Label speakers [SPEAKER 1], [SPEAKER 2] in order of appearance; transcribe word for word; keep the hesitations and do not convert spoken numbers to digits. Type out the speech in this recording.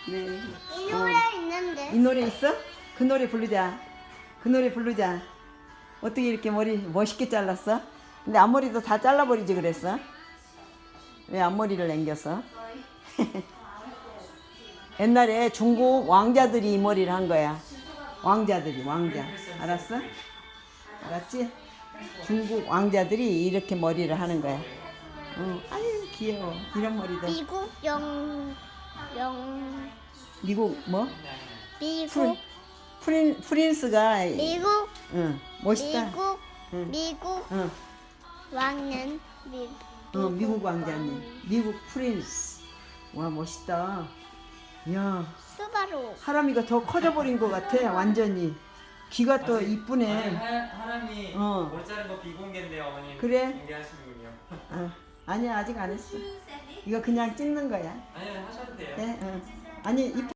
[SPEAKER 1] 네.
[SPEAKER 2] 이 노래
[SPEAKER 1] 어.
[SPEAKER 2] 있는데.
[SPEAKER 1] 이 노래 있어? 그 노래 부르자. 그 노래 부르자. 어떻게 이렇게 머리 멋있게 잘랐어? 근데 앞머리도 다 잘라버리지 그랬어? 왜 앞머리를 남겼어? 옛날에 중국 왕자들이 이 머리를 한 거야. 왕자들이, 왕자. 알았어? 알았지? 중국 왕자들이 이렇게 머리를 하는 거야. 어, 아유 귀여워. 이런 머리도.
[SPEAKER 2] 미국 영, 영,
[SPEAKER 1] 미국 뭐?
[SPEAKER 2] 미국,
[SPEAKER 1] 프린, 프린스가
[SPEAKER 2] 미국,
[SPEAKER 1] 응, 멋있다.
[SPEAKER 2] 미국,
[SPEAKER 1] 응.
[SPEAKER 2] 미국
[SPEAKER 1] 응.
[SPEAKER 2] 왕은 미,
[SPEAKER 1] 어, 미국 왕자님. 미국 프린스. 와, 멋있다. 야,
[SPEAKER 2] 수바루.
[SPEAKER 1] 하람이가 더 커져버린 것 같아, 완전히. 귀가 또
[SPEAKER 3] 아직-
[SPEAKER 1] 이쁘네.
[SPEAKER 3] 아니, 하, 하람이
[SPEAKER 1] 어.
[SPEAKER 3] 머리 자른 거 비공개인데요, 어머님.
[SPEAKER 1] 그래?
[SPEAKER 3] 공개하시는군요.
[SPEAKER 1] 어, 아니야, 아직 안 했어. 이거 그냥 찍는 거야.
[SPEAKER 3] 아니, 하셔도 돼요.
[SPEAKER 1] 네, 어. 아니, 이쁘